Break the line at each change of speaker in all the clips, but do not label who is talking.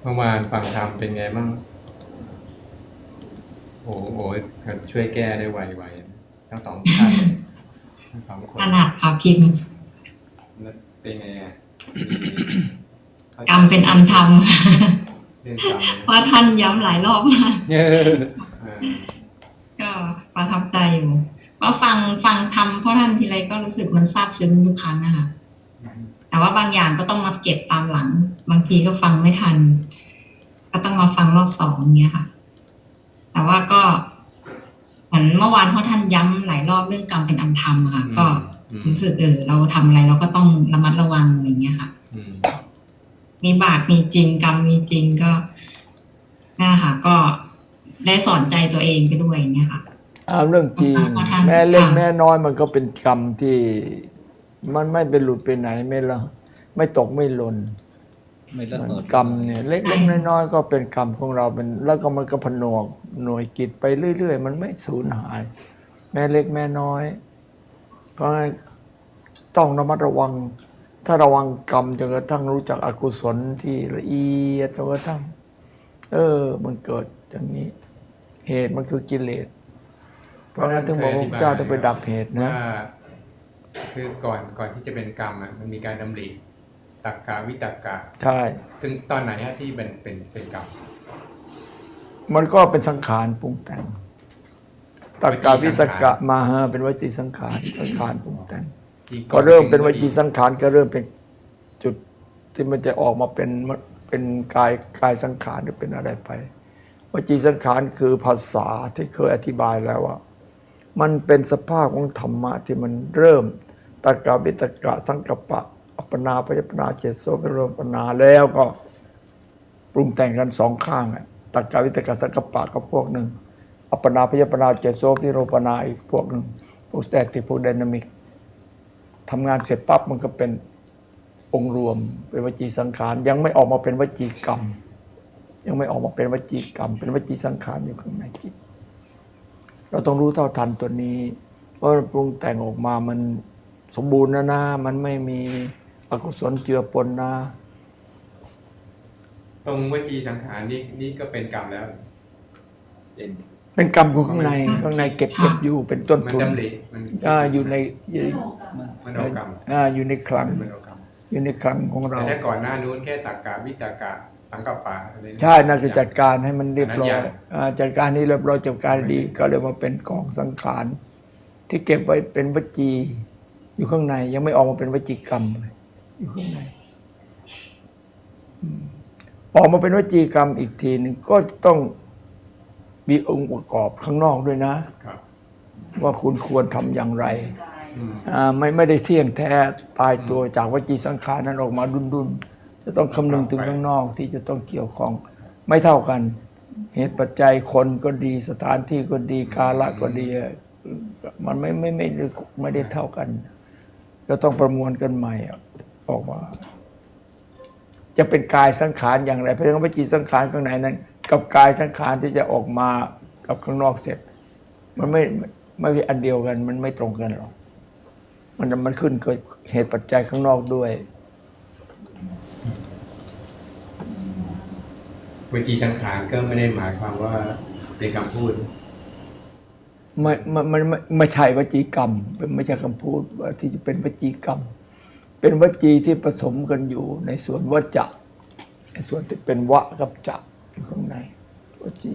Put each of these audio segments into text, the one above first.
เมื่อวานฟังธรรมเป็นไงบ้างโอ้โหช่วยแก้ได้ไวๆทั้งสองท่านทั้งสองค
ข
น
นาดพาพิมพ์
แล้วเป็นไงอ่ะเข้าใจ
กรรมเป็นอันท
เรื่อง
ำ
กรรม
เพราะท่านย้ำหลายรอบมาก
เนี่ย
ก็ประทับใจอยู่ก็ฟังทำเพราะท่านทีไรก็รู้สึกมันซาบซึ้งทุกครั้งนะคะแต่ว่าบางอย่างก็ต้องมาเก็บตามหลังบางทีก็ฟังไม่ทันก็ต้องมาฟังรอบสองเนี้ยค่ะแต่ว่าก็เหมือนเมื่อวานเพราะท่านย้ำหลายรอบเรื่องกรรมเป็นอันธรรมค่ะก็รู้สึกเราทำอะไรเราก็ต้องระมัดระวังอะไรเงี้ยค่ะมีบาปมีจริงกรรมมีจริงก็นั่นแหละค่ะก็ได้สอนใจตัวเองไปด้วยอย่างเงี้ยค่ะ
เรื่องจริงแม่เล็กแม่น้อยมันก็เป็นกรรมที่มันไม่เป็นหลุดไปไหนไม่ละไม่ตกไม่หล่น
ไม่ละเมิด
กรรมเนี่ยเล็กๆน้อยๆก็เป็นกรรมของเราเป็นแล้วก็มันก็ผนวกหน่วยกิจไปเรื่อยๆมันไม่สูญหาย แม่เล็กแม่น้อยเพราะงั้นต้องระมัดระวังถ้าระวังกรรมจนกระทั่งรู้จักอกุศลที่ละเอียดจนกระทั่งมันเกิดอย่างนี้ เหตุมันคือกิเลสเพราะงั้นถึงบอกว่าพระเจ้าต้องไปดับเหตุนะ
คือก่อนที่จะเป็นกรรมอ่ะมันมีการดำริตักกะวิตักกะ
ใช่
ถึงตอนไหนฮะที่เป็นกรรม
มันก็เป็นสังขารปรุงแต่งตักกะวิตกะมาเป็นวจีสังขารปรุงแต่งก็เริ่มเป็นวจีสังขารก็เริ่มเป็นจุดที่มันจะออกมาเป็นกายสังขารหรือเป็นอะไรไปวจีสังขารคือภาษาที่เคยอธิบายแล้วว่ามันเป็นสภาพของธรรมะที่มันเริ่มตักกะวิตกะสังกัปปะอัปปนาพยปนาเจโสเป็นรวมปนาแล้วก็ปรุงแต่งกันสองข้างตักกะวิตกะสังกัปปะก็พวกหนึ่งอัปปนาพยปนาเจโสนิโรปนาอีกพวกหนึ่งพวกสแตติกพวกไดนามิกทำงานเสร็จปั๊บมันก็เป็นองค์รวมเป็นวจีสังขารยังไม่ออกมาเป็นวจีกรรมยังไม่ออกมาเป็นวจีกรรมเป็นวจีสังขารอยู่ข้างในจิตเราต้องรู้เท่าทันตัวนี้เพราะปรุงแต่งออกมามันสมบูรณ์นะมันไม่มีอกุศลเจือปนนะ
ตรงวจีสังขารนี่ก็เป็นกรรมแล้ว
เป็นกรรมของข้างในเก็บอยู่เป็นต้นทุน
มันดำริ
อยู่ใน
มันเอากรรม
อยู่ในคลังอยู่ในคลังของเรา
แต่ถ้าก่อนหน้านู้นแค่ตักกะวิตกะสังกัปปะอะไร
ใช่น่าจะจัดการให้มันเรียบร้อยจัดการนี้เรียบร้อยจัดการดีก็เลยมาเป็นกองสังขารที่เก็บไว้เป็นวจีอยู่ข้างในยังไม่ออกมาเป็นวจีกรรมเลยอยู่ข้างในออกมาเป็นวจีกรรมอีกทีหนึ่งก็ต้องมีองค์ประกอบข้างนอกด้วยนะว่าคุณควรทำอย่างไรไม่ได้เที่ยงแท้ตายตัวจากวจีสังขารนั้นออกมาดุนจะต้องคำนึงถึงข้างนอกที่จะต้องเกี่ยวข้องไม่เท่ากันเหตุปัจจัยคนก็ดีสถานที่ก็ดีกาลก็ดีมันไม่ได้เท่ากันก็ต้องประมวลกันใหม่ออกมาจะเป็นกายสังขารอย่างไรเพราะฉะนั้นวจีสังขารข้างในนั้นกับกายสังขารที่จะออกมากับข้างนอกเสร็จมันไม่เป็นอันเดียวกันมันไม่ตรงกันหรอกมันขึ้นกับเหตุปัจจัยข้างนอกด้วย
วจีสังขารก็ไม่ได้หมายความว่าเป็นคำพูด
ไม่ใช่วจีกรรมไม่ใช่คำพูดว่าที่จะเป็นวจีกรรมเป็นวจีที่ผสมกันอยู่ในส่วนวจะในส่วนที่เป็นวะกับจะอยู่ข้างในวจี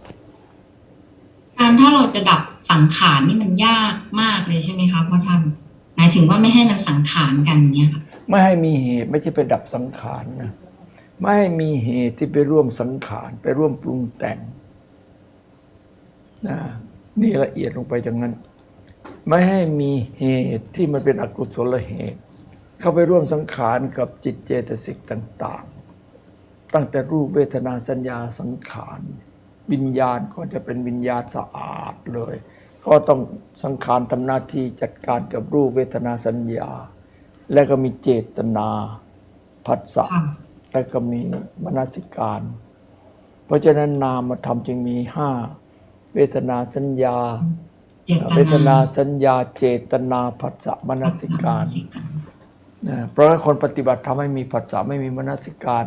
ถ้าเราจะดับสังขารนี่มันยากมากเลยใช่ไหมคะพ่อท่านหมายถึงว่าไม่ให้มันสังขารกันเนี่ยค่ะ
ไม่ให้มีเหตุไม่ใช่ไปดับสังขารนะไม่ให้มีเหตุที่ไปร่วมสังขารไปร่วมปรุงแต่งนะนี่ละเอียดลงไปอย่างนั้นไม่ให้มีเหตุที่มันเป็นอกุศลเหตุเข้าไปร่วมสังขารกับจิตเจตสิกต่างๆตั้งแต่รูปเวทนาสัญญาสังขารวิญญาณก็จะเป็นวิญญาณสะอาดเลยก็ต้องสังขารทำหน้าที่จัดการกับรูปเวทนาสัญญาและก็มีเจตนาผัสสะและก็มีมนสิการเพราะฉะนั้นนามธรรมจึงมีห้าเวทนาสัญญาเวทนาสัญญาเจตนาผัสสะมนสิการเพราะฉะนั้นคนปฏิบัติทำให้มีผัสสะไม่มีมนสิการ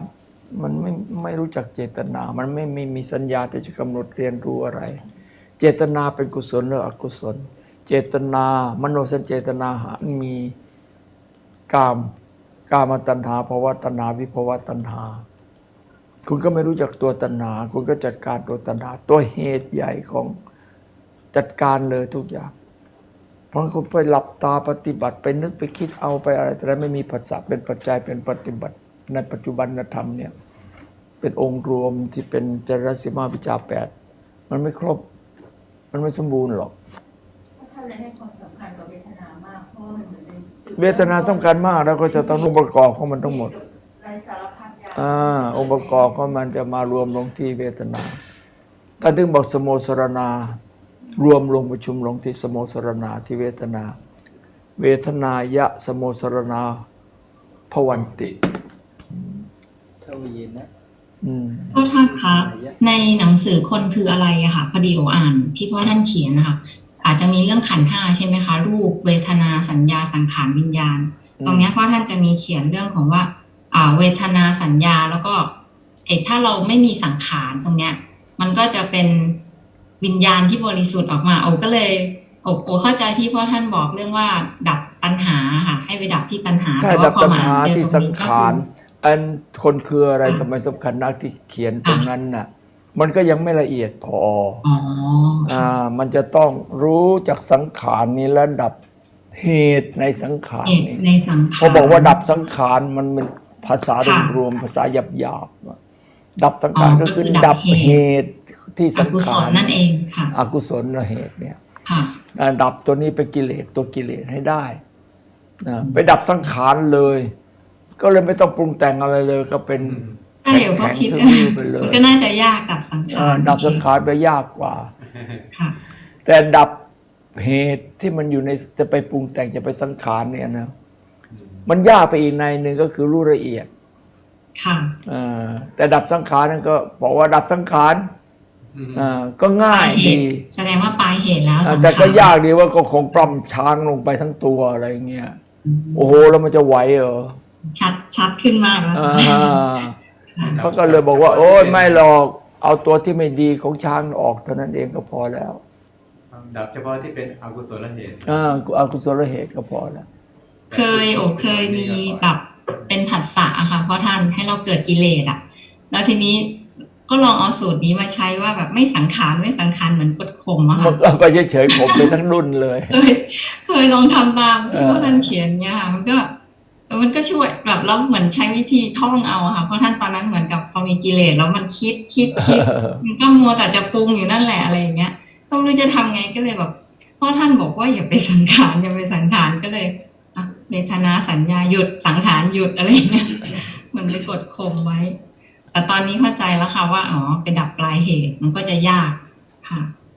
มันไม่รู้จักเจตนา มันไม่มีสัญญาที่จะกำหนดเรียนรู้อะไร เจตนาเป็นกุศลหรืออกุศล เจตนามโนสัญเจตนามีกามตัณหาภวตัณหาวิภวตัณหา คุณก็ไม่รู้จักตัวตัณหา คุณก็จัดการตัวตัณหา ตัวเหตุใหญ่ของจัดการเลยทุกอย่าง เพราะคุณไปหลับตาปฏิบัติไปนึกไปคิดเอาไปอะไรแต่ไม่มีผัสสะเป็นปัจจัยเป็นปฏิบัติในปัจจุบันธรรมเนี่ยเป็นองค์รวมที่เป็นจรสิมาวิชา8มันไม่ครบ มันไม่สมบูรณ์หรอก
ถ้าเลยให้ความสำคัญกับเวทนามากเพราะว่ามันเหมือนเป็นจุด
เวทนาสำคัญมากแล้วก็จะต้ององค์ประกอบของมันทั้งหมด
รายสารพัดอย่าง
องค์ประกอบของมันจะมารวมลงที่เวทนาถ้าถึงบอกสโมสรณารวมลงประชุมลงที่สโมสรณาที่เวทนา เวทนายะสโมสรณาภวันติ
เท่าเย็นนะ
พ่อท่านคะในหนังสือคนคืออะไรอะค่ะพอดีโออ่านที่พ่อท่านเขียนนะคะอาจจะมีเรื่องขันธ์5ใช่ไหมคะรูปเวทนาสัญญาสังขารวิญญาณ ตรงเนี้ยพ่อท่านจะมีเขียนเรื่องของว่าเวทนาสัญญาแล้วก็ถ้าเราไม่มีสังขารตรงเนี้ยมันก็จะเป็นวิญญาณที่บริสุทธิ์ออกมาโอก็เลยโอเข้าใจที่พ่อท่านบอกเรื่องว่าดับตัณหาค่ะให้ไปดับที่ตัณหา
ใช่
แต่
ดั
ว่า
บ
พอ
ตัณ
มา
หา
เจอ
ที่
ตร
สั
ง
ง
นี้ก็
ขาร
คือ
อันคนคืออะไรทำไมสำคัญนักที่เขียนตรงนั้นน่ะมันก็ยังไม่ละเอียดพอ
อ๋อ
มันจะต้องรู้จากสังขารนี้และดับเหตุในสังขาร
เหตุ
นี้
ในสังขาร
เขาบอกว่าดับสังขารมันเป็นภาษา
ค่ะ
รวมๆภาษาหยาบๆดับสังขาร
อ๋อ
ก็คือ
ก็คือดั
ดั
บบ เห
เห
ตุ
ตุที่
อ
สัง
กุศ
ขา
ล
ร
นั่นเองค่ะ
อกุศลเหตุเนี่ย
ค่ะ
ดับตัวนี้เป็นกิเลสตัวกิเลสให้ได้ไปดับสังขารเลย ก็เลยไม่ต้องปรุงแต่งอะไรเลย ก็เป็น
ใช่เดี๋ยวก็คิด
แข็งๆทื่อๆไปเลย
มันก็น่าจะยากกับสังขาร
ดับสังขารไปยากกว่า
ค่ะ
แต่ดับเหตุที่มันอยู่ในจะไปปรุงแต่งจะไปสังขารเนี่ยนะมันยากไปอีกในหนึ่งก็คือรู้ละเอียด
ค่ะ
แต่ดับสังขารนั่นก็บอกว่าดับสังขารก็ง่าย
เห
ดี
ตุแสดงว่าปลายเหตุแล้วสังขาร
แต่ก็ยากดีว่าก็คงปล้ำช้างลงไปทั้งตัวอะไรเงี้ยโอ้โหแล้วมันจะไหวเหรอ
ชัดขึ้นมากแล้ว
เขาก็เลยบอกว่า โอ้ยไม่หรอกเอาตัวที่ไม่ดีของช้างออกเท่านั้นเองก็พอแล้ว
ดับเฉพาะที่เป็นอกุศลเหตุ
อกุศลเหตุก็พอแล้ว
เคยมีแบบเป็นผัสสะอะค่ะเพราะท่านให้เราเกิดกิเลสอะแล้วทีนี้ก็ลองเอาสูตรนี้มาใช้ว่าแบบไม่สังขารเหมือนกดข่มอะ
มั
ค่ะ
นก็เฉยๆผมไปทั้งรุ่นเลย
เคยลองทำตามที่พ่อท่านเขียนเนี่ยค่ะมันก็ช่วยแบบเราเหมือนใช้วิธีท่องเอาอะค่ะเพราะท่านตอนนั้นเหมือนกับพอมีกิเลสแล้วมันคิดมันก็มัวแต่จะปรุงอยู่นั่นแหละอะไรอย่างเงี้ยก็ไม่รู้จะทำไงก็เลยแบบพ่อท่านบอกว่าอย่าไปสังขารก็เลยเวทนาสัญญาหยุดสังขารหยุดอะไรอย่างเงี้ยมันไปกดข่มไว้ แต่ตอนนี้เข้าใจแล้วค่ะว่าไปดับปลายเหตุมันก็จะยากค่ะ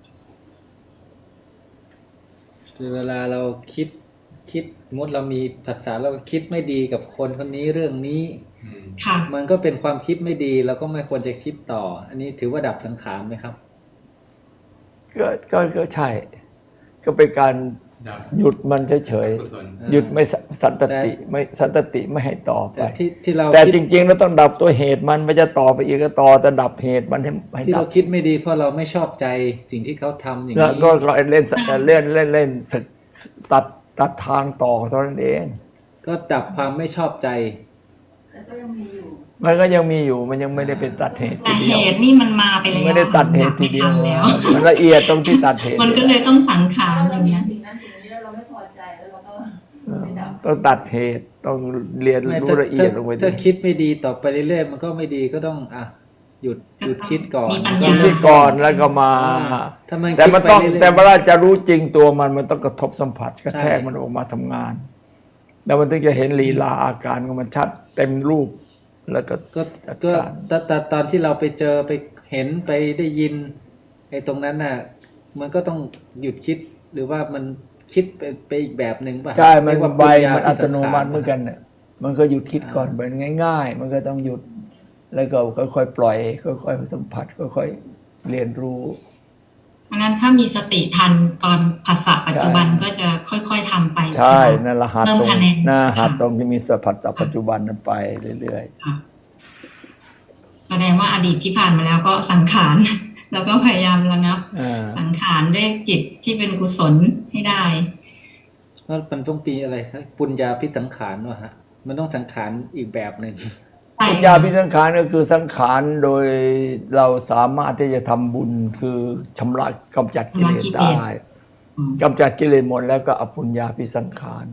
คือเวลาเราคิดสมมติเรามีภาษาเราคิดไม่ดีกับคนคนนี้เรื่องนี้
ค่ะ
มันก็เป็นความคิดไม่ดีเราก็ไม่ควรจะคิดต่อ อันนี้ถือว่าดับสังขารไหมครับ
ก็ใช่ ก็เป็นการ
ดับ
หยุดมันเฉย
กุศล
ๆหยุดไม่สันตติไม่สันตติไม่ให้ต่อไป
แต่ที่เรา
แต่
คิด
จริงๆเราต้องดับตัวเหตุมันไม่จะต่อไปอีกก็ต่อแต่ดับเหตุมันให้
ที่
ดั
เรา
บ
คิดไม่ดีเพราะเราไม่ชอบใจสิ่งที่เขาทำอย่าง
แล้ว
นี้
ก็เล่นตัดทางต่อเท่านั้นเอง
ก็ดับความไม่ชอบใจ
แล้วก็ยังมีอยู่
มันก็ยังมีอยู่มันยังไม่ได้เป็นตัดเหตุ
แต่
ที
เห
เดียว
ตุนี่มันมาไปแล้ว
ไม่ได้ตัดเหตุทีเดียว
ไม่ทันแล้ว
มันละเอียดตรงที่ตัดเหตุ
มันก็เลยต้องสังขาร
ถ้า
อ
เรา
ย่าง
มี
เงี้ย
สิ่งนั้นสิ่งนี้แล้วเราไม่พอใจแล้วเราก็ไม่ดับ
ต้องตัดเหตุต้องเรียน
ไม่
รู้ละเอียดลงไป
ถ้า
ดิ
คิดไม่ดีต่อไปเรื่อยๆมันก็ไม่ดีก็ต้องหยุดคิดก่อน
มีปัญ
คิ
ญา
ดที่ก่อนแล้วก็มา
ถ้ามัน
แต่มันต้อง
คิดไปเรื่อยๆ
แต่เวลาจะรู้จริงตัวมันต้องกระทบสัมผัสกระแทก
ใช่
มันออกมาทำงาน แล้วมันถึงจะเห็นลีลาอาการของมันชัดเต็มรูปแล้วก็
ก็
จัด
ก็
การ
แต่ตอนที่เราไปเจอไปเห็นไปได้ยินไอ้ตรงนั้นน่ะมันก็ต้องหยุดคิดหรือว่ามันคิดไปอีกแบบหนึ่งป่ะ
ใช่มัน
เรียกว่า
ใบ
ปัญญา
มัน
ที่
อัตโนมัติ
สังขาร
เหมือนกันเนี่ยมันก็หยุดคิดก่อนเป็นง่าย ๆ มันก็ต้องหยุด แล้วก็ค่อยๆปล่อยค่อยๆสัมผัสค่อยๆเรียนรู้
เพราะฉะนั้นถ้ามีสติทันตอนภาษาปัจจุบันก็จะค่อยๆทำไป
ใช่นั่นละหัด
เพิ่ม
ตรง
คะแนน
หน้าหัด
ค่ะ
ตรงที่มีสัมผัสจากปัจจุบันนั้นไปเรื่อย
ค่ะแสดงว่าอดีตที่ผ่านมาแล้วก็สังขาร แล้วก็พยายามระงับ สังขารด้วยจิตที่เป็นกุศลให้ได้
แล้วมันต้องปีอะไรครับปุญญาพิสังขารวะฮะมันต้องสังขารอีกแบบหนึ่ง
ปัญญาพิสังขารก็คือสังขารโดยเราสามารถที่จะทำบุญคือชำระกำจัดกิเลสได้กำจัดกิเลสหมดแล้วก็อปุญญาพิสังขาร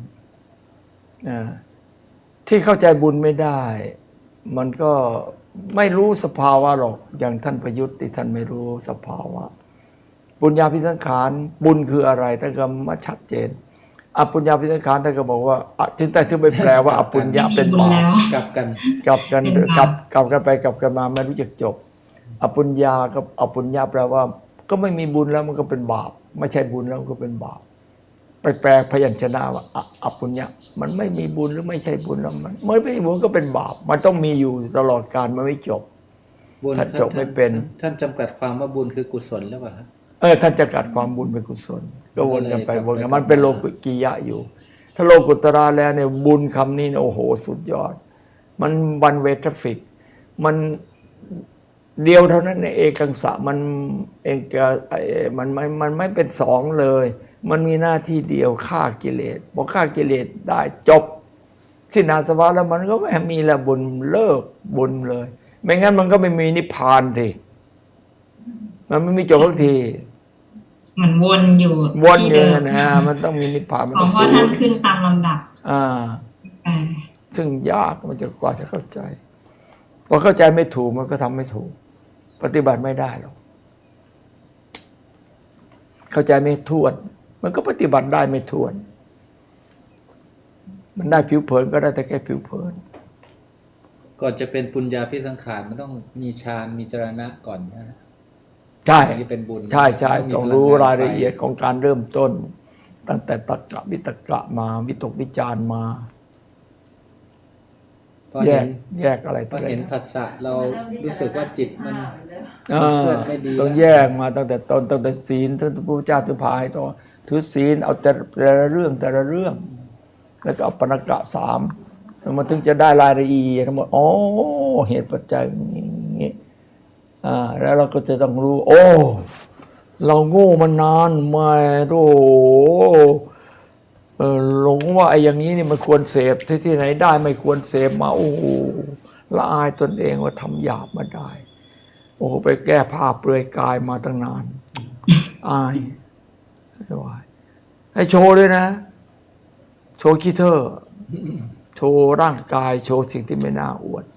ที่เข้าใจบุญไม่ได้ มันก็ไม่รู้สภาวะหรอกอย่างท่านประยุทธ์ที่ท่านไม่รู้สภาวะปุญญาพิสังขารบุญคืออะไรท่านก็มาชัดเจนอปุญญาพิสังขารท่านก็บอกว่าถึงแต่ถึงไปแปลว่าอปุญญาเป็นบาป
กลับกัน
กลับกันไปกลับกันมาไม่รู้จักจบอปุญญากับอปุญญาแปลว่าก็ไม่มีบุญแล้วมันก็เป็นบาปไม่ใช่บุญแล้วก็เป็นบาปไปแปลพยัญชนะว่าอปุญญามันไม่มีบุญหรือไม่ใช่บุญแล้วมันไม่มีบุญก็เป็นบาปมันต้องมีอยู่ตลอดกาลมันไม่จบ
บุญ
ท่านจบไม่เป็น
ท่านจำกัดความว่าบุญคือกุศลหรือเปล่าครับ
ท่านจะกัดความบุญเป็นกุศลก็วนกันไปวนกันมันเป็นโลกุกิยะอยู่ ถ้าโลกุตระแล้วเนี่ยบุญคำนี้เนี่ยโอ้โหสุดยอดมันวันเวทฟิกมันเดียวเท่านั้นในเอกังสะมันเองมันไม่เป็นสองเลย มันมีหน้าที่เดียวฆ่ากิเลสพอฆ่ากิเลสได้จบสิ้นอาสวะแล้วมันก็ไม่มีละบุญเลิกบุญเลย ไม่งั้นมันก็ไม่มีนิพพานทีมันไม่มีจบทุกที
เหมือนวนอยู่
วน
ที่
อยู่
เดิม
นะมันต้องมีนิพพานมัน
ขอ
ต้อง
งพ่อ
สู้
ท่านขึ้นตามลำดับ
ซึ่งยากมันจะกว่าจะเข้าใจพอเข้าใจไม่ถูกมันก็ทำไม่ถูก ปฏิบัติไม่ได้หรอกเข้าใจไม่ถ้วนมันก็ปฏิบัติได้ไม่ถ้วน มันได้ผิวเผินก็ได้แต่แค่ผิวเผิน
ก่อนจะเป็นปุญญาพิสังขารมันต้องมีฌานมีจรณะก่อนนะ
ใช่
ถึงจะเป็นบุญ
ใช่ใช่
มี
ต้อง
พลั
รู้
งงน
รายละเอียด
ไฟ
ของการเริ่มต้น ตั้งแต่ตักกะวิตกะมาวิตกวิจารมา
พอ
แย
เห็
ก
น
แยกอะไร
พ
ต่
อ
ออะไร
เห็นผัสสะเรารู้สึกว่าจิตมัน
อ่า
เคลื่อนไม่ดี
ต้องแยกมาตั้งแต่ต้นตั้งแต่ศีลตั้งแต่พระพุทธเจ้าถึงพาให้ต่อถือศีลเอาแต่ละเรื่องแต่ละเรื่อง แล้วก็เอาปณกะสามแล้วมันถึงจะได้รายละเอียดทั้งหมดอ๋อเหตุปัจจัยอย่างนี้แล้วเราก็จะต้องรู้ โอ้เราโง่มานานมาโอ้หลงว่าไอ้อย่างนี้นี่มันควรเสพที่ไหนได้ไม่ควรเสพมาโอ้ละอายตนเองว่าทำหยาบมาได้ โอ้ไปแก้ผ้าเปลือยกายมาตั้งนานอายไม่ไหวให้โชว์ด้วยนะ โชว์ขี้เท่อโชว์ร่างกายโชว์สิ่งที่ไม่น่าอวด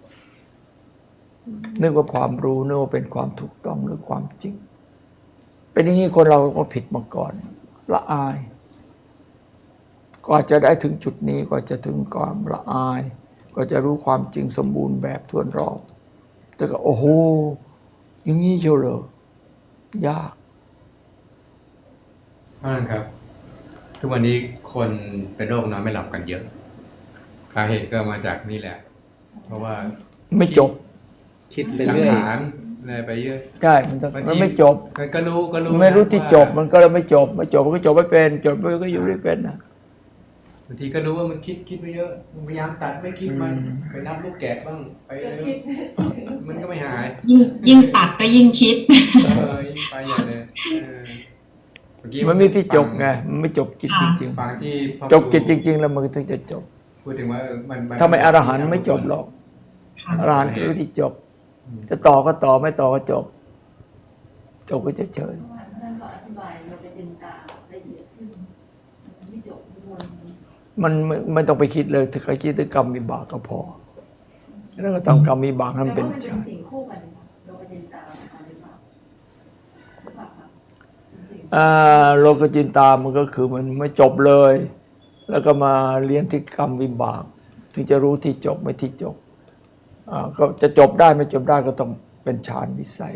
นึกว่าความรู้นึกว่าเป็นความถูกต้องหรือความจริง เป็นอย่างนี้คนเราก็ผิดมาก่อน ละอายกว่าจะได้ถึงจุดนี้กว่าจะถึงความละอายก็จะรู้ความจริงสมบูรณ์แบบทั่วรอบแต่ก็โอ้โหอย่างนี้เชียวเหรอยาก
เพราะนั้นครับ ทุกวันนี้คนเป็นโรคนอนไม่หลับกันเยอะสาเหตุก็มาจากนี่แหละ เพราะว่า
ไม่จบ
คิดไป
สัง
เรื่อย
ขารอะไรไปเยอะ
ใช่มัน
บางที
มันไม่จบ
ก็รู้
ไม่รู้ที่
ว่า
จบมันก็เลยไม่จบไม่จบมันก็จบไม่เป็นจบไม่ก็อยู่ไม่เป็นนะ
บางทีก็รู้ว่ามันคิดไปเยอะพยายามตัดไม่คิดมันไปนับลูกแกะบ้างไปมันก็ไม่หาย
ยิ่งตัดก็ยิ่งคิด
ยิ่งไปใหญ่เลยเมื่อกี้
มันมีที่จบไงมันไม่จบกิจจริง
ฟังที่พ่อ
ๆจบกิจจริง ๆ แล้วมันถึงจะจบ
พูดถึงว่ามัน
ถ้าไม่อรหันต์ไม่จบหรอกอรหันต์คือที่จบ จะต่อก็ต่อไม่ต่อก็จบจบก็เฉย
ท่านก็อธิบายเราจะเป็นตาละเอียดขึ้นไม่จบวน
ๆมันไม่ต้องไปคิดเลยถ้าใครคิดถึงกรรมวิบากก็พอแล้วก็ทำกรรมวิบากให้มันเป็น
แต่ว่า
ฌาน
สิ่งคู่กันค่ะเราจะเป็นตาหรือเปล่าหรือเปล่าคะเป็นสิ่ง
โลกจินตามันก็คือมันไม่จบเลย แล้วก็มาเรียนที่กรรมวิบากถึงจะรู้ที่จบไม่ที่จบก็จะจบได้ไม่จบได้ก็ต้องเป็นฌานวิสัย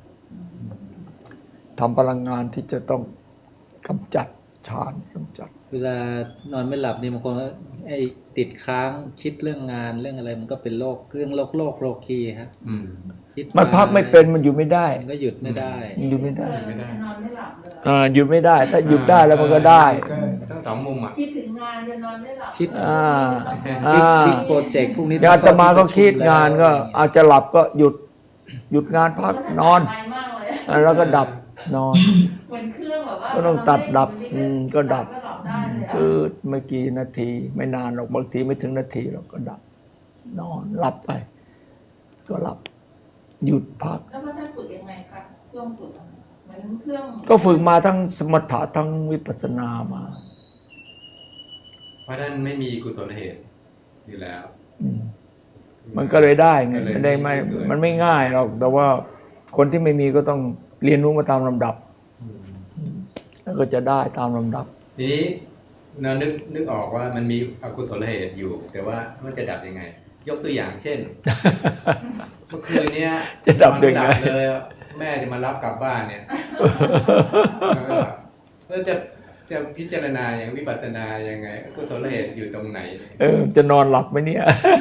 ทำพลังงานที่จะต้องกำจัดฌานกำจัด
เวลานอนไม่หลับนี่บางคนก็ไอ้ติดค้างคิดเรื่องงานเรื่องอะไรมันก็เป็นโรคเรื่องโรคีครับ
อืม
คิด
มันพักไม่เป็นมันอยู่ไม่ได้
มันก็หยุดไม่ได้
มันอยู่ไม่ได้
ไม่ได้
นอนไม่หลับเลย
หยุดไม่ได้ ถ้าหยุดได้แล้วมันก็ได้
ก็ต้องสองมุมอ่ะ
คิดถึงงานจะนอนไม่หลับ
คิด
อ่า
โปรเจกต์พวกนี้
อาตมาก็คิดงานก็อาจจะหลับก็หยุดงานพักนอน
ไปมากเลย
แล้วก็ดับนอน
เหมือนเครื่องแบบว่า
ก็ต้องตัดดับก็ดับ
ก็หลับได้เลยอะ
คือไม่กี่นาทีไม่นานหรอกบางทีไม่ถึงนาทีเราก็ดับ นอนหลับไป ก็หลับ หยุดพัก
แล้วพระท่านฝึกยังไงคะช่วงฝึกอะเหมือนเครื่อง
ก็ฝึกมาทั้งสมถะทั้งวิปัสสนามา
เพราะท่านไม่มีกุศลเหตุอยู่แล้ว
อืมมันก็เลยได้ไง
ก็เลย
ไม่ได้ไม่
เกิด
มันไม่ง่ายหรอกแต่ว่าคนที่ไม่มีก็ต้องเรียนรู้มาตามลำดับ
อืม
แล้วก็จะได้ตามลำดับ
ทีนี้เรานึกออกว่ามันมีอกุศลเหตุอยู่ แต่ว่ามันจะดับยังไง ยกตัวอย่างเช่น เมื่อคืนเนี้ย
จะดับยังไง
นอนม่หลัเลยแม่จะมารับกลับบ้านเนี่ยแล้วจะพิจารณาอย่างวิปัสสนายังไงอกุศลเหตุอยู่ตรงไหน
จะนอนหลับไหมเนี่ย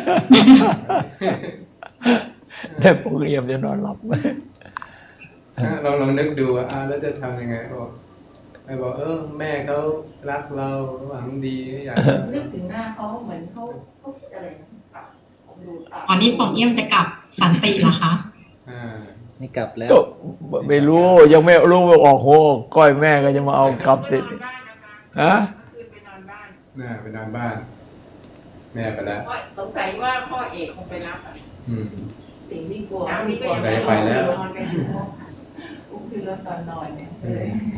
ได้โปรแกรมจะนอนหลับไหม
เราลองนึกดูว่าแล้วจะทำยังไงบอกแม่เขารักเราหวังดีอยาก
นึกถึงหน้าเขาเหมือนเขาคิดอะไรนะดูตา
ตอนนี้ป๋องเอี่ยมจะกลับสันติเหรอคะ
อ่า
นี่กลับแล้ว
ก็ไม่รู้ยังไม่รู้ว่าออกโหก้อยแม่ก็จะมาเอากลับติดฮะ
คือไปนอนบ้าน
ไปนอนบ้าน แม่ไปแล้ว
เพราะสงสัยว่าพ่อเอกคงไปรับอะ
อืม
สิ่งที่กลัว
เช้านี้ก็ยัง
ไปแล้ว
นอนไปอุ้มขึ้นรถตอนนอนเนี่ยเลย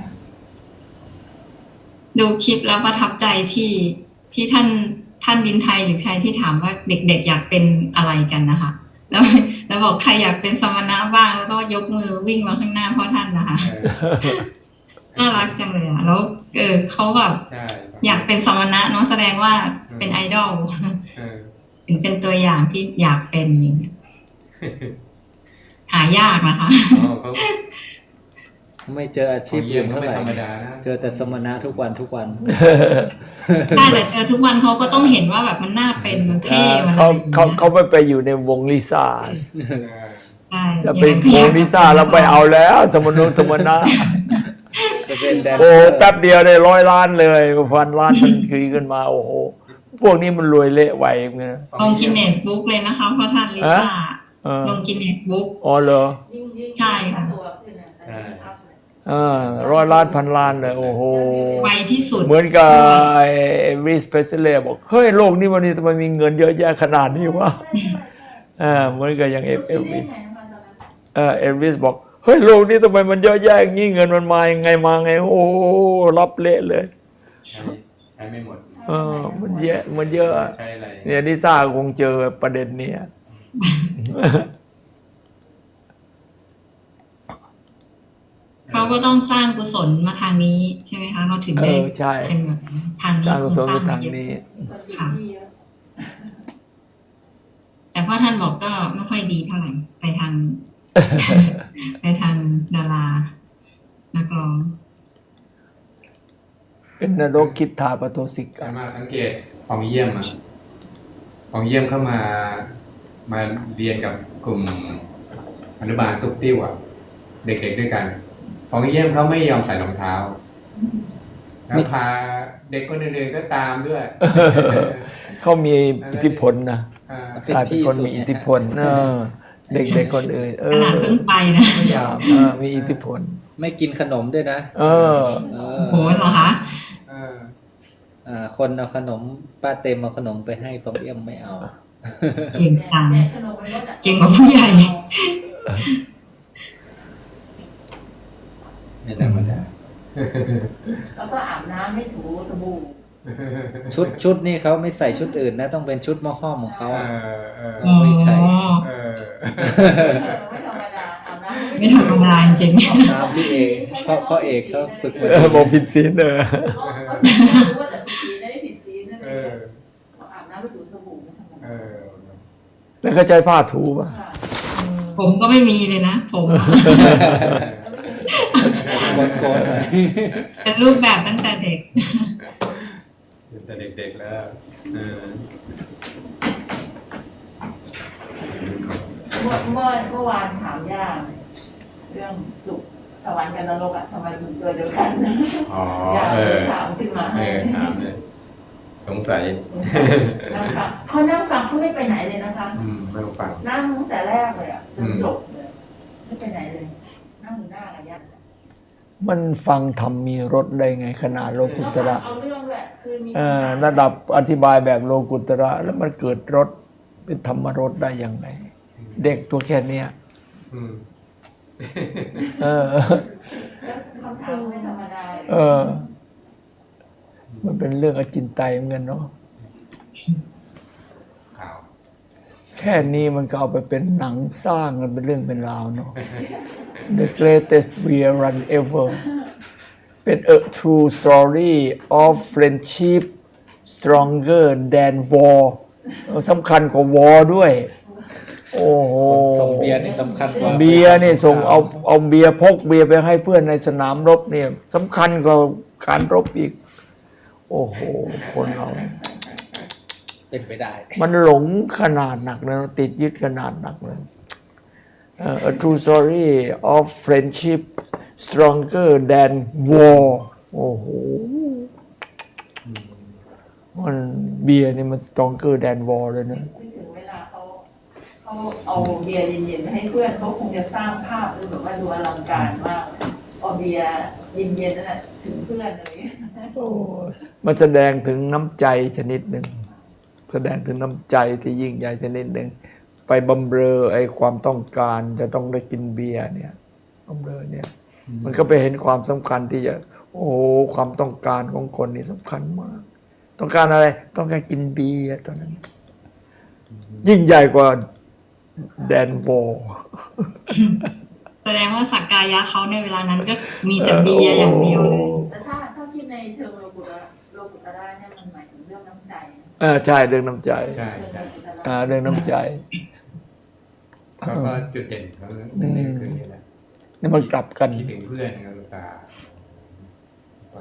ดูคลิปแล้วประทับใจที่ท่านบินไทยหรือใครที่ถามว่าเด็กๆอยากเป็นอะไรกันนะคะ แล้วบอกใครอยากเป็นสมณะบ้างแล้วก็ยกมือวิ่งมาข้างหน้าพ่อท่านนะคะ น่ารักจังเลยอ่ะแล้วเขาแบบ
ใช่
อยากเป็นสมณะเน้องแสดงว่าเป็นไอดอล
เออ
เป็นตัวอย่างที่อยากเป็นอย่างเงี้ยหายากนะคะ
เขา
ไม่เจออาชีพ
เยี่ย
อื่
ม
น
เขา
เท่า
ไม่
ไหร่
ธรรมดานะ
เจอแต่สมณะทุกวัน
ใช่แต่เจอทุกวันเขาก็ต้องเห็นว่าแบบมันน่าเป็นมันเท่มันอะไรอย่างเงี้ย
เขาไม่ไปอยู่ในวงลิซ่า
ใช่
จะเป็นวงลิซ่าเราไปเอาแล้วสมนุธรรมนะ
จะเป็นแดน
โอ้
เซอร์
แป๊บเดียวได้100 ล้านเลย1,000 ล้านทันทีขึ้นมา โอ้โหพวกนี้มันรวยเละไวเหมือนกันนะ
ลงกินเนสบุ๊กเลยนะคะเพราะท่านลิซ่า
เออ
ลงกินเนสบุ๊ก
อ๋อเหรอ
ยิ่ง
ใช่ค่ะ
ตัวขึ้นนะแต่ยิ่งอัพเลย
100 ล้าน1,000 ล้านเลยโอ้โห
ไวที่สุด
เหมือนกับไอ้วิสเพสเลย์บอกเฮ้ยโลกนี้วันนี้ทำไมมีเงินเยอะแยะขนาดนี้วะเหมือนกับอย่างเอลวิสเอลวิสบอกเฮ้ยโลกนี้ทำไมมันเยอะแยะอย่างนี้เงินมันมายังไงมาไงโอ้โหรับเละเลย
ใช้ไม่หมด
มันเยอะมันเยอะ
ใช้อะไร
เนี่ยลิซ่าคงเจอประเด็นเนี้ย
เขาก็ต้องสร้างกุศลมาทางนี้ใช่ไหมคะเขาถึงได้
ใช่
เป็นแบบทางนี้
สร้าง
ค
กุ
ง
ศล
สร้าง
ไป
มา
ทาง
เยอะ
นี้
ค่ะ แต่พ่อท่านบอกก็ไม่ค่อยดีเท่าไหร่ไปทาง ไปทางดารานักร้อง
เป็นนรกคิดทาปโตสิกา
สามารถสังเกตของเยี่ยมของเยี่ยมเข้ามาเรียนกับกลุ่มอนุบาลตุ๊กติ้วเด็กๆด้วยกันของเยี่ยมเขาไม่ยอมใส่รองเท้าแล้วพาเด็กคนอื่นๆก็ตามด้วย
เขามีอิทธิพลนะ
อ่า
เป็น
กลายเป็น
พี่
คน
สุด
มีอิทธิพลเด็กๆคนอื่น
ขนาดเพิ่งไปนะ
ไม่ยอมมีอิทธิพล
ไม่กินขนมด้วยนะ
เออ
เอ
โอ้โหเหรอคะ
เออ
คนเอาขนมป้าเต็มเอาขนมไปให้ฟองเอี่ยมไม่เอา
เก่งจัง
แจกขนมในรถอะ
เก่งกว่าผู้ใหญ่
ไม่ธรรมดา
แล้วก็อาบน้ำไม่ถูสบู่
ชุดนี่เขาไม่ใส่ชุดอื่นนะ ต้องเป็นชุดหม้อห้อมของเขา
เอ
อะ
อ
อ๋อ
ไม่ใช่
เออ
ไม่ธรรมดาอาบน้ำ
ไม่ธรรมดาจริง
ตามพี่เอกพ่อเอกเขาฝึกมา
บอกผิดศีล
รู้
เ
ว่าแต่ผิดศีลได้ผิดศีลนั่น
เอ
เอ
อง
อาบน้ำไม่ถูสบู่ไม่ธรรม
เอ
ดา
อ
แล้วก็ใจผ้าถูป่ะ
ค่ะ
ผมก็ไม่มีเลยนะผมอะ
โกนๆหน่อย
เป็นรูปแบบตั้งแต่เด็ก
แต่เด็กๆแล้วเออ
เมื่อวานถามย่าเรื่องสุขสวรรค์กับนรกอะทำไมถึงตัวเดียวกัน
อ๋อย่
า
เอ
เลย
อ
ถามขึ้นมา
เอ
ให้
อถามเลยสงสัย
นั่งฟังเขานั่งฟังเขาไม่ไปไหนเลยนะคะ
ไม่ต้องฟัง
นั่งตั้งแต่แรกเลยอ่ะจนจบเลยไม่ไปไหนเลย นั่งอยู่หน้ากับย่า
มันฟังธรรมมีรสได้ไงขนาดโลกุตระ
เอาเรื่องแหละคือมี
ระดับอธิบายแบบโลกุตระแล้วมันเกิดรสเป็นธรรมรสได้ยังไง เด็กตัวแค่เนี้ย
อืม
เออ
แล้วคำถามไม่ธรรมดา
เออ มันเป็นเรื่องอจินไตยเหมือนกันเนาะ
ข่าว
แค่นี้มันก็เอาไปเป็นหนังสร้างกันเป็นเรื่องเป็นราวเนาะ The greatest beer run ever เป็น a true story of friendship stronger than war สำคัญกว่า war ด้วย โอ้โห
ส่งเบียร์นี่สำคัญกว่า
เบียร์นี่ส่งเอาเบียร์พกเบียร์ไปให้เพื่อนในสนามรบเนี่ยสำคัญกว่าการรบอีก โอ้โห คนเรา
เป็นไปได้
มันหลงขนาดหนักเลยติดยึดขนาดหนักเลย A true story of friendship stronger than war โอ้โห มันเบียร์นี่มัน stronger than war เลยนะ
ถึงเวลาเขาเอาเบียร์เย็นๆมาให้เพื่อนเขาคงจะสร้างภาพดูแบบว่าดูอลังการมากเอาเบียร์เย็นๆนั่นแหละถึงเพื่อนอะไรอย่างเงี้ย
โอ้ยมันแสดงถึงน้ำใจชนิดหนึ่ง แสดงถึงน้ำใจที่ยิ่งใหญ่ชนิดหนึ่ง ไปบำเรอไอ้ความต้องการจะต้องได้กินเบียร์เนี่ยบำเรอเนี่ย มันก็ไปเห็นความสำคัญที่จะ โอ้โหความต้องการของคนนี่สำคัญมาก ต้องการอะไร ต้องการกินเบียร์ตอนนั้น ยิ่งใหญ่กว่าแดนวอร์
แสดงว่าสักกายะเขาในเวลานั้นก็มีแต่เบียร์อย่างเดียวเลย
แต่ถ้าคิดในเชิงโลกุตระเนี่ยมันหมายถึงเรื่องน้ำใจ
ใช่เรื่องน้ำใจ
ใช่ใช่
เรื่องน้ำใจ
เขาก็จุดเด่นเขาเด่นคือนี่แหละ
นี่มันกลับกัน
คิดถึงเพื่อนนะอุตส่าห์ไป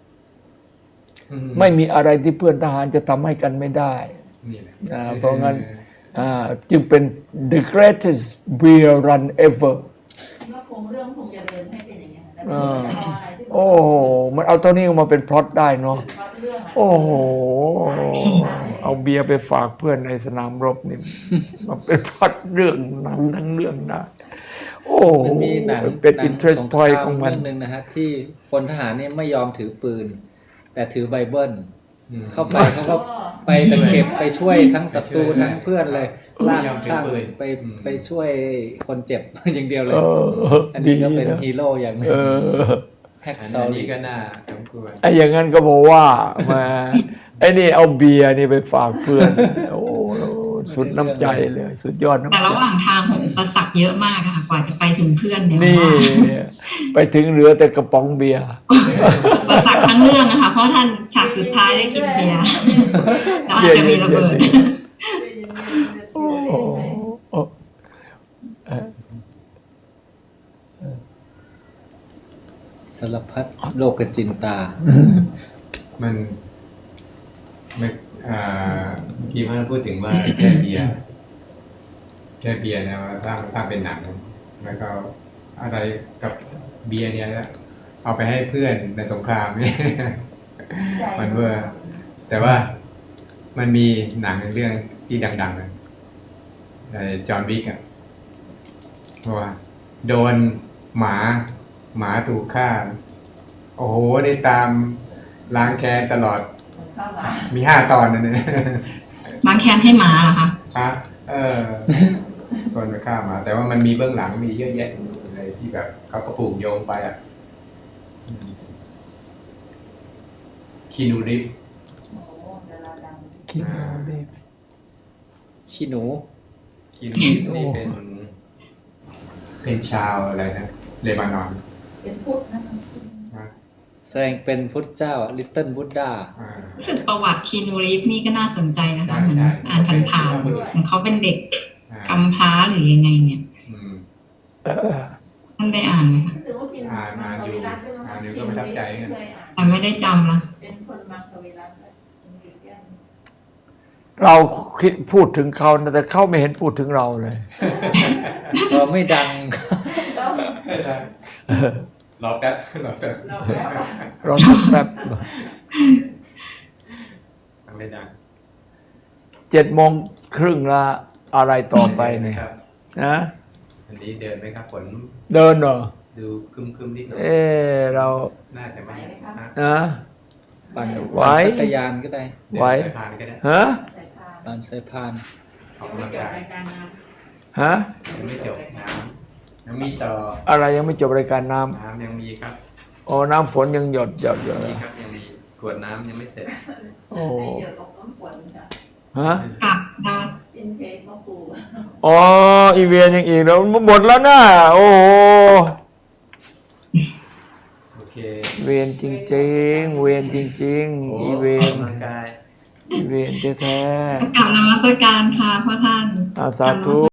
ไม่มีอะไรที่เพื่อนทหารจะทำให้กันไม่ได้
นี่แหละ
เพราะงั้นจึงเป็น the greatest beer run ever
ก็คงเรื่องคงจะเดินให้เป็นอย่างเงี้ยแต่
อ่า
ไม่เอาอะไรที่
โอ้โหมันเอาตัวนี้ออกมาเป็นพล็อตได้เนาะ
วัดเรื่องอะ
โอ้โห เอาเบียร์ไปฝากเพื่อนในสนามรบนี่มันเป็นพล็อตเรื่องหนังทั้งเรื่องได้โอ้โห
มันมีหนัง
เป็น
หนัง
interest
สงค
point
ราม
ของมัน
เรื่องหนึ่งนะฮะที่พลทหารเนี่ยไม่ยอมถือปืน แต่ถือไบเบิล เข้าไปเขาก็ไปตะเก็บไปช่วยทั้งศัตรูทั้งเพื่อนเลยลากข้างไปช่วยคนเจ็บ อย่างเดียวเลย อันนี้ก็เป็นฮีโร่อย่างหนึง
เออ
แพ็ก
อัน
ซอ
นี้
รี่
ก็น่าสมควร
ไอ้อย่างนั้นก็บอกว่ามาไอ้นี่เอาเบียร์นี่ไปฝากเพื่อน โอ้สุดน้ำใจเลย สุดยอดน้ำ
แต่
ใจ
ระหว่างทางผมอุปสรรคเยอะมากอะค่ะกว่าจะไปถึงเพื่อนเนี่ย
นี่ ไปถึงเหลือแต่กระป๋องเบียร์
อุปสรรคทั้งเรื่องอะค่ะเพราะท่านฉากสุดท้ายได้กินเบียร์แล้วอาจจะมีระเบิด
โอ้โห
สารพัดโลกจินตา
มันไม่เมื่อกี้พ่อพูดถึงว่าแค่เบียร์เนี่ยมาสร้างเป็นหนัง แล้วก็อะไรกับเบียร์เนี่ยเอาไปให้เพื่อนในสงครามเนี่ย มันเวอร์แต่ว่ามันมีหนังเรื่องที่ดังๆเลยจอห์นวิกอะว่าโดนหมาถูกฆ่า โอ้โหได้ตามล้างแค้นตลอด
ข้าวหมา
มี5 ตอนนะเนี่ย
ล้างแค้นให้หมาเหรอคะ
คนไปฆ่าหมา แต่ว่ามันมีเบื้องหลังมีเยอะแยะอะไรที่แบบเขาก็ผูกโยงไปอ่ะคีนูริฟ
โอ้ดาราดัง
คิดเอาดิ
ขี้หนู
คีนูริฟนี่เป็นชาวอะไรนะเลบานอน
เป็นพุทธนะคะ
นะ
แสดงเป็นพุทธเจ้าลิตเติ้ลบุดดา
รู้สึกประวัติคีนูรีฟนี่ก็น่าสนใจนะคะ
ใช่
เหมือน
ใช่
อ่านผ่านๆของเขาเป็นเด็ก
อ่า
กำพร้าหรือยังไงเนี่ย
อืม
ท่านได้อ่านไหมคะ
รู้สึกว่ากิน
อ่านอยู่ก็ประทับใจเหมือนกัน
เคยอ่าน
แต่ไม่ได้จำละ
เป็นคนมังสวิรัติเลย
เราคิดพูดถึงเขานะแต่เขาไม่เห็นพูดถึงเราเลย
เราไม่ดัง
ก็
รอแป๊บรอแป๊บ
เราแล้ว
เราสักแป๊บ
ทำไม่ดัง
7:30ละอะไรต่อไปเนี่ย
ครับ
นะ
อันนี้เดินไหมครับฝน
เดินเหรอ
ดูครึมๆนิดหน่อย
เรา
น่าจะไม่นะ
นะ
ปั่น
ไหว
จักรยานก็ได้
ไหว
เดินสายพานก็ได้
ฮะ
ใส่พาน
ปั่นสายพาน
ออกกำลังกาย
ฮะ
ยังไม่จบน้ำยังมีต่อ
อะไรยังไม่จบรายการน้
น้ำยังมีครับ
ำโอ้น้ำฝนยังหยดอยู่
มีครับยังมีกวดน้ำยังไม่เสร็จ
โอ้
ให้เดี๋ยวตกน้ำฝนค่ะ
ฮะ
กับดาว
อินเทคมะปู
อ๋ออีเวียนยังอีกแล้วหมดแล้วนะโอ้โห
โอเค
เวียนจริงๆ เวียนจริงๆ อีเวี
อย อก
น
กำลังกาย
อีเวียนแท้
กับนมัสการค่ะพ่อท่าน
ๆสาธุ